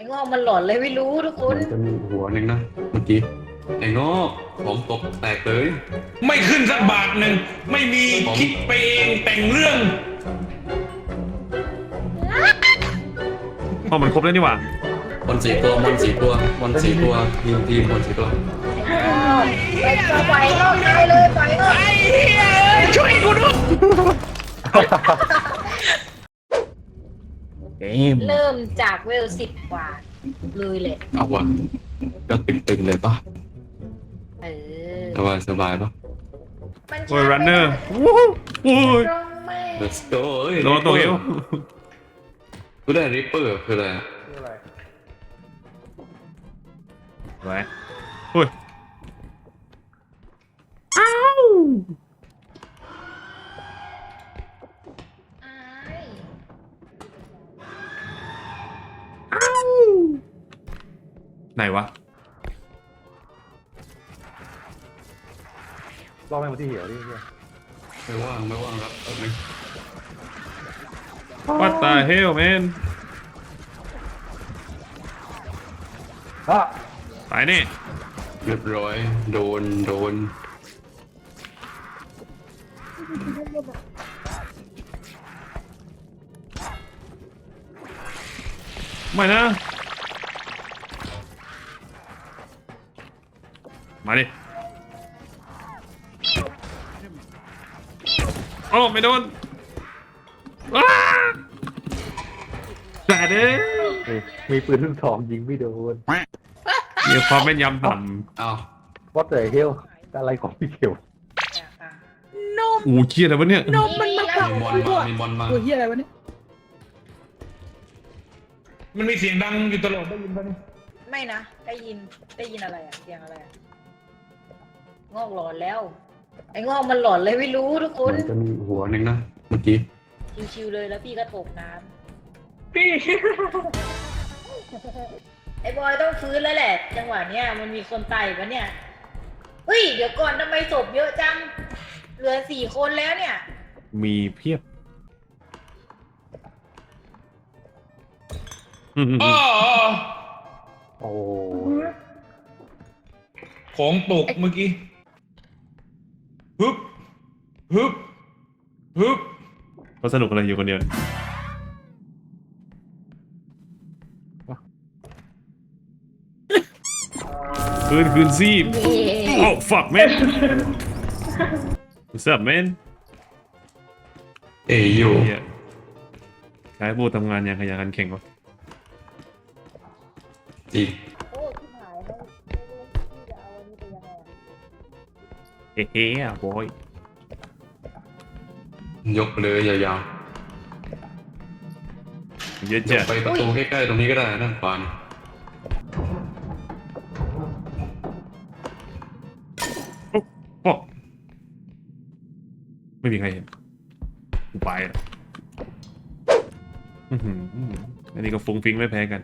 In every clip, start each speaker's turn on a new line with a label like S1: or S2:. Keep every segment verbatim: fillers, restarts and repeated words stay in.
S1: งอกมันหลอนเลยไม่รู้ทุกคน
S2: มันจะมีหัวหนึ่งนะเมื่อกี้ไอ้งอกของตกแตกเลย
S3: ไม่ขึ้นสักบาทหนึ่งไม่มีคิดไปเองแต่งเรื่อง
S4: อ๋อมันครบแล้วนี่หว่า
S2: บอลสี่ตัวบอลสี่ตัวบอลสี่ตัวทีมทีมบอลสี่ตัว
S1: ไปจะไปงอกตายเลยไปงอก
S3: ไอ้เหี้ยช่วยกูด้วย
S4: เกม
S1: เริ่มจากเวลสิบกว่าเลยแหละ
S2: เอาวะก็ตึงๆเลยปะ
S1: เออ
S2: สบายสบายปะ
S1: มัน
S4: โอ้ยรันเนอร์โอ้ย
S1: ตรงไม่
S2: let's go เอ้ย
S4: โดนตัวเอว
S2: กูได้ริปเปอร์คืออะไรอะ
S4: ไว้โอ้ยอ้าว
S1: อาย
S4: อ้าวไหนวะ
S5: รอบแม่งมาที่เหี่ยวดิเนี่ย
S2: ไม่ว่างไม่ว่างครับแป๊บนึง
S4: What the hell man
S5: อ่ะ
S4: ตายแน่
S2: เรียบร้อยโดนโดน
S4: ไม่นะ มาดิโอ้ไม่โดนว้าแต่เด้
S5: นี่มีปืนลูกทองยิงไม่โดน
S4: เดี๋ยวความแม่นยำต่
S2: อ้าว
S5: วัดแต่เฮลอะไรของพี่เขียว
S4: ำโอ้เชี่ยอะไรวะเนี่ย
S1: นมมันมา
S2: มีมอนมามีมอนมา
S6: ตัวเฮียอะไรวะเนี่ย
S3: มันมีเสียงดังอยู่ตลอดได้ยินปะเนี่ย
S1: ไม่นะได้ยินได้ยินอะไรอะเสียงอะไรอะงอกหลอนแล้ว ไอ้งอกมันหลอนเลยไม่รู้ทุกคน
S2: มันจะมีหัวหนึ่งนะเมื่อกี้
S1: ชิวๆเลยแล้วพี่ก็ตกน้ำ
S6: พี่
S1: ไอ้บอยต้องฟื้นแล้วแหละ จังหวะเนี้ยมันมีคนตายปะเนี่ยเฮ้ยเดี๋ยวก่อนทำไมศพเยอะจังเหลือสี่คนแล้วเนี่ย
S4: มีเพียบ
S3: อ้อ
S5: โอ้
S3: ของตกเมื่อกี้ฮึบฮึบฮึบ
S4: เขาสนุกอะไรอยู่คนเดียวคืนคืนซีบ โอ้ fuck man what's up man
S2: เอยโย
S4: เหี้ยใช้ผู้ทำงานอย่างขยันขันแข็งวะ
S2: จริง
S1: โอ้ที่หายแล้วไม่รู้พี่จะเอาอันนี้ไปยังไงอะ
S4: เฮ้เฮ้อะบอย
S2: ยกเลยยาว
S4: เยอะ
S2: ๆย
S4: จั
S2: ก
S4: ด
S2: ไปประตูใกล้ๆตรงนี้ก็ได้ด้านขวานี่
S4: โอ้ไม่มีใครเห็นกูไปอ่ะอื้อหืออันนี้ก็ฟุ้งฟิ้งไม่แพ้กัน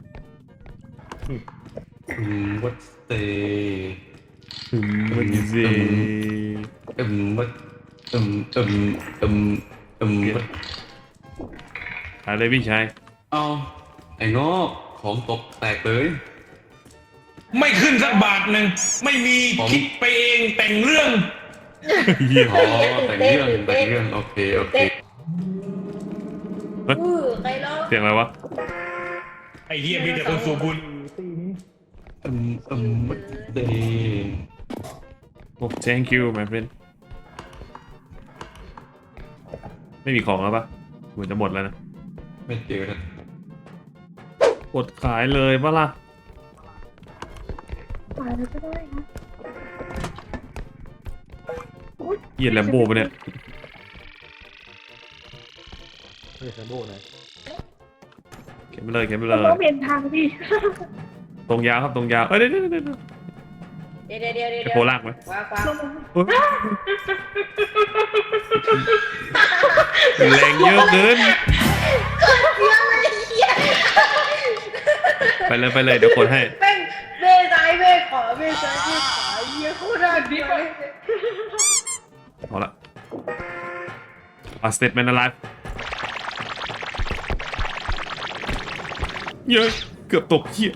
S2: อืมวัดเต
S4: อืมวันนี้สิ
S2: เอ็มวัดเอ็มเอ็มเอ็มเอ็มวัด
S4: อะไรพี่ชาย
S2: เอาไอ้งอกของตกแตกเลย
S3: ไม่ขึ้นสักบาทหนึ่งไม่มีคิดไปเองแต่งเรื่อง
S4: เหี้ย
S2: อ๋อแต่งเรื่องแต่งเรื่องโอเคโอเค
S1: อือใครร้อง
S4: เสียงอะไรวะ
S3: ไอ้เหี้ยมีแต่คนสูบบุญ
S2: เอ็มเอ็มวัดเต
S4: โอ้ thank you my friend ไม่มีของแล้วปะเหมือนจะหมดแล้วนะ
S2: ไม่เจอนะ
S4: อดขายเลยปะล่ะ
S6: ตายแล้วก็ได้นะ
S4: เหยียดแลมโบปะเนี่ย
S5: นี่แซมโบ้นะ
S4: เก็บไปเลยเก็บไปเล
S6: ต้
S4: ย
S6: องเปลี่ยนทางพี่
S4: ตรงยาวครับตรงยาวเอ้ยเดี๋ยวเดี๋ยวเดี๋ยวเดี๋ยว
S1: เดี๋ยวเดี๋ยวเดี๋ยวเดี๋ยว
S4: จะโพลากไหม
S1: ว้าวว้าว
S4: เฮ้ยแรงเยอะเกิน
S1: เสียงอะไรเหี้ย
S4: ไปเลยไปเลยเดี๋ยวกดให้
S1: แม่งเบซ้ายเบขวาเบซ้ายเบขวาเหี้ยโคตรน่าเกลียดเลย
S4: เอาละ A statement alive เยอะเกือบตกเหี้ย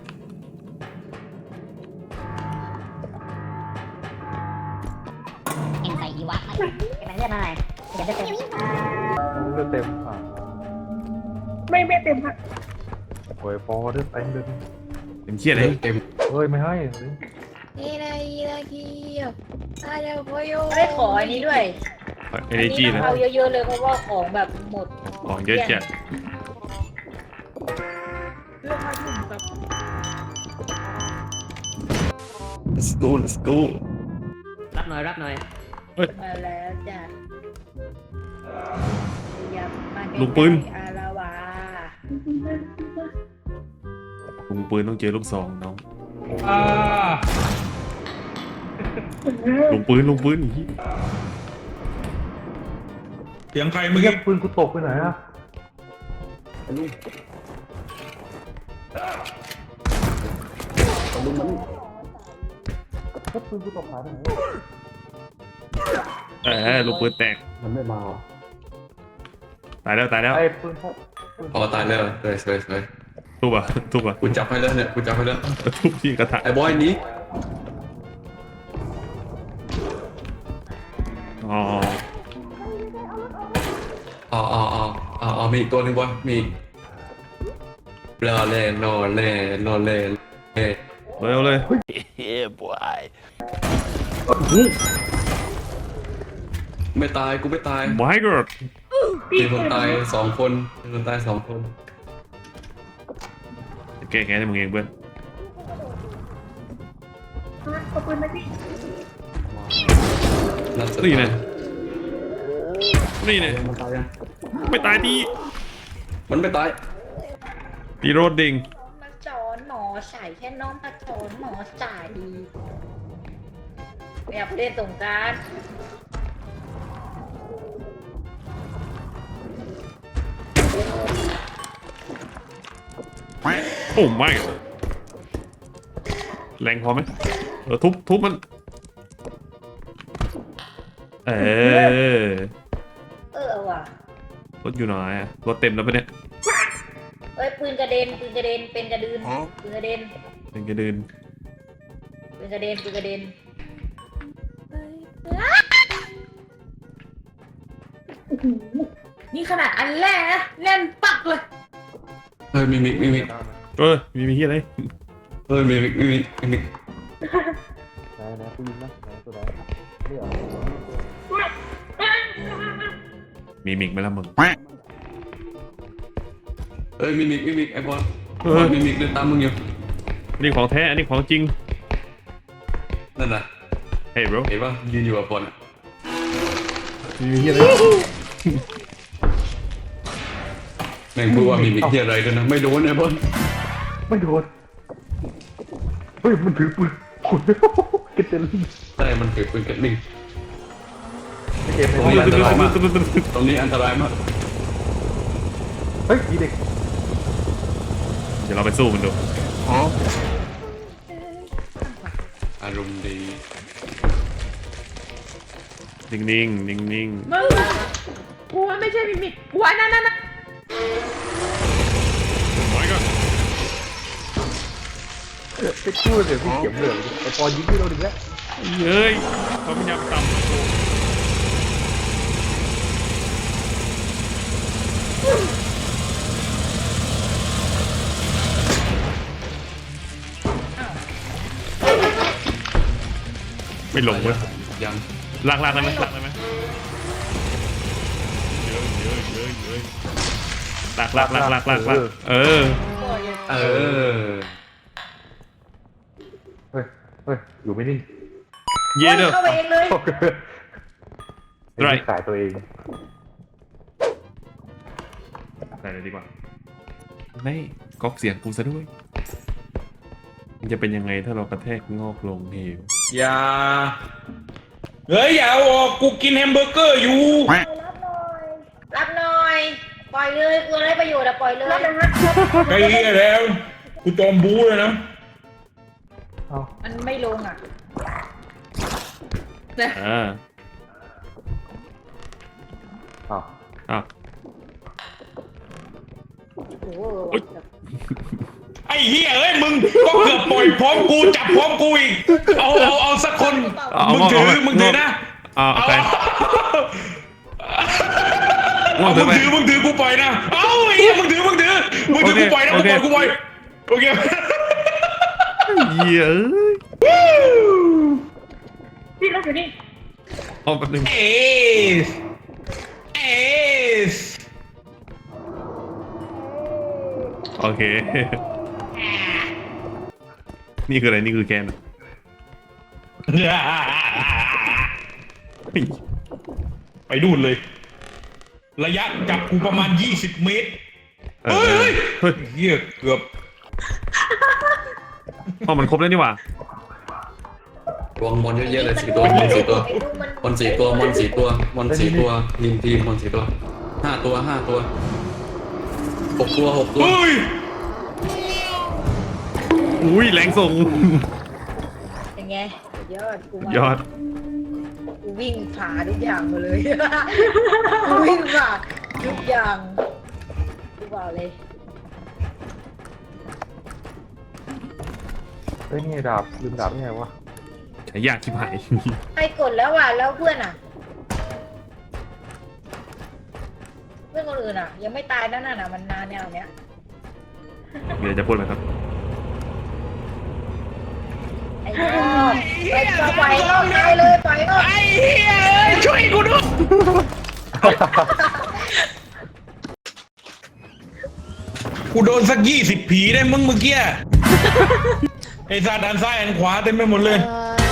S6: เอ็นใส่อีวะไปไปเลือดมาหน่อยเดี๋ยวจะเต็ม
S5: เลือดเต็มอ่ะ
S1: ไม่ไม่เต็มค่ะ
S5: โอ้ยปอเลือดเต็มเลย
S4: เป็นเหี้ยอะไร
S2: เต็ม
S5: เฮ้ยไม่ให้
S1: นี่นะอีละเกียวอะไรโคโยไม่ขออันนี้ด้วย
S4: เอเนจี
S1: ต้
S4: นะ
S1: องเอาเยอะๆเลยเพราะว่าของแบบหมด
S4: ของเยอะจัด
S1: เรื่องมาถึงแบบ
S2: let's go let's go
S6: รับหน่อยรับหน่อย
S1: มาแล้วจ้ะอยากมาใก
S4: ลูกปืน
S1: ๆอาราวา
S4: ลุงปืนต้องเจอลูกซองน้อง
S3: อ่า
S4: ลุงปืนลุงปืนอีก
S3: เสียงใคร
S5: เมื่
S3: เมื่
S5: อ
S3: อ
S5: กี้
S3: กี้
S5: ปืนกูตกไปไหนอ่ะก็ปืนกูตกหายไปไหน
S4: เออลูกปืนแตก
S5: มันไม่มา
S4: ตายแล้วตายแล้ว
S5: ไอ้ปืนพก
S2: พอตายแล้วสวยสวยสวย
S4: ทุบอ่ะทุบอ่ะ
S2: กูจับให้แล้วเนี่ยกูจับให้แล้ว
S4: ทุบที่กระถาง
S2: ไอ้บอยหนี้
S4: อ๋อ
S2: อ๋ออ๋ออ๋ออ๋ออ๋อมีอีกตัวหนึ่งบอยมีอีกรอเล่นอเล่นอเล่เล่
S4: เร็วเลย
S2: ไม่ตายกูไม่ตาย
S4: My God
S2: มีคนตายสองคนมีคนตายสองคน
S4: แก้แค้นให้มึงเองเพื่อน
S1: ขอบคุณนะพี่
S2: นัดสุด
S4: นี่
S2: ท้า
S4: นะ
S2: ย
S4: นี่นะ
S2: มันตายยัง
S4: ไม่ตายดี
S2: มันไม่ตาย
S4: ตีโรดดิง
S1: มาสอนหมอใส่แค่น้องมาสอนหมอใส่อยากเล่นสงกราร
S4: โอ้ไม่แรงพอไหมเออทุบทุบมัน เออ
S1: เออว่ะ
S4: รถอยู่ไหนอะรถเต็มแล้วปะเนี่ย
S1: เอ้ยปืนกระเด็นปืนกระเด็นเป็นกระดืนปืนกระเด็น
S4: เป็นกระเดิน
S1: ปืนกระเด็นปืนกระเด็นนี่ขนาดอันแรกนะแน่นปักเลย
S2: เฮ้ยมีมิกมีมิก
S4: เออมีมีที่อะไร
S2: เฮ้ยมีมิกมีมิกมีมิก
S5: ไหนไหนปืนนะไหนตัวไหนเรียก
S4: มีมิกไหมล่ะมึง
S2: เฮ้ยมีมิกมีมิกไอ้บอล
S4: เออ
S2: มีมิกเดินตามมึงอยู่
S4: อันนี้ของแท้อันนี้ของจริง
S2: นั่นน่ะ
S4: เฮ้ย bro
S2: เห็นป่ะยืนอยู่กับบอลอะ
S4: มีมีที่อะไร
S2: แม่งพูดว่ามีมิกที่อะไรด้วยนะไม่โดนไอ้บอล
S5: ไม่โดนเฮ้ยมันถือปืนขุดกระเด็น
S2: แต่มันเกิดปืนกันลิง
S5: เก็บ
S2: ตรงนี้อันตรายมากตรงนี้อันตรายมาก
S5: เฮ้ยมีเด็ก
S4: เดี๋ยวเราไปสู้มันดู
S2: อารมณ์ดี
S4: นิ่งนิ่งนิ่งนิ่ง
S1: มึงกูว่าไม่ใช่มิมิกกูว่านั่นนั่น
S4: ไม่ก็
S5: ไปคู่เดี๋ยวพี่เข็มเหลืองไอ้ปอยิงที่เราดึงแล้ว
S4: เย้ยเขาพยายามต่ำ ไม่ลงเว้ย
S2: ยัง
S4: ลากลากได้ไหมลากได้ไหมเยอะเยอะเยอะเยอะลากลากลากลากลากลากเออ
S2: เออ
S5: เฮ้ยเฮ้ยอยู่ไม่นิ่ง
S4: เย่เด้อ
S1: เข้าไปเองเลย
S4: ไร
S5: ขายตัวเอง
S4: ใส่เลยดีกว่าไม่ก๊อปเสียงกูซะด้วยมันจะเป็นยังไงถ้าเรากระแทกงอกลงเหว
S3: อย่าเฮ้ยอย่าเอาออกกูกินแฮมเบอร์เกอร์อยู่
S1: รับหน่อย ปล่อยเลยกูได้ประโยชน์อะปล่อยเลย
S3: ไอ้เหี้ยแล้วกูจอมบูเลยนะ
S5: เอ้า
S1: มันไม่ลงอ่ะ
S4: อ่า
S5: เอ้า
S4: อ้าว
S1: โอ้โห
S4: อุ๊ย
S3: เอ้าอ้เหี้ยเอ้ยมึงก็เกือบปล่อยพร้อมกูจับพร้อมกูอีกเอาเอาเอาสักคน
S4: เอา
S3: มึงถือมึงถือนะ
S4: เอาเอาไป
S3: เอามึงถือมึงถือกูปล่อยนะเอาไอ้เหี้ยมึงถือมึงถือมึงถือกูปล่อยนะกูปล่อยกูปล่อยโอเค
S4: เหี้ยเอ้ย
S1: พี่เราอยู่นี่
S4: เอาแป๊บนึง
S3: เอสเอส
S4: โอเค นี่คืออะไรนี่คือแกนเฮ้ย
S3: ไปดูนเลย ระยะจับกูประมาณยี่สิบเมตร
S4: เออ
S3: เฮ้ย
S4: เฮ้ย
S3: เหี้ยเกือบ
S4: อ๋อมันครบแล้วนี่หว่า
S2: วางมอนเยอะๆเลยสี่ตัวมอนสี่ตัวมอนสี่ตัวมอนสี่ตัวมอนสี่ตัวทีมทีมมอนสี่ตัวห้าตัวห้าตัวหกตัวหกตัว
S3: เฮ้ย
S4: อุ้ยแรงส่ง
S1: เป็นไงยอดกูมาย
S4: อด
S1: กูวิ่งผ่าทุกอย่างมาเลย กูวิ่งผ่าทุกอย่างกูบอกเลย
S5: เฮ้ยนี่ดาบลืมดาบยังไงวะ
S4: ใช้ยากชิบหาย
S1: ใครกดแล้วอ่ะแล้วเพื่อนอ่ะ เพื่อนคนอื่นอ่ะ ยังไม่ตายนั่นน่ะมันนานแนวเนี้ย
S4: เดี๋ยวจะพูดไหมครับ
S1: ไอ้ยอดไปปล่อยงอกตายเลยปล่อยงอก
S3: ไอ้เหี้ยเอ้ยช่วยกูด้วยกูโดนสักยี่สิบผีได้มึงเมื่อกี้ไอ้ซาดานซ้ายอันขวาเต็มไปหมดเลย
S1: เออ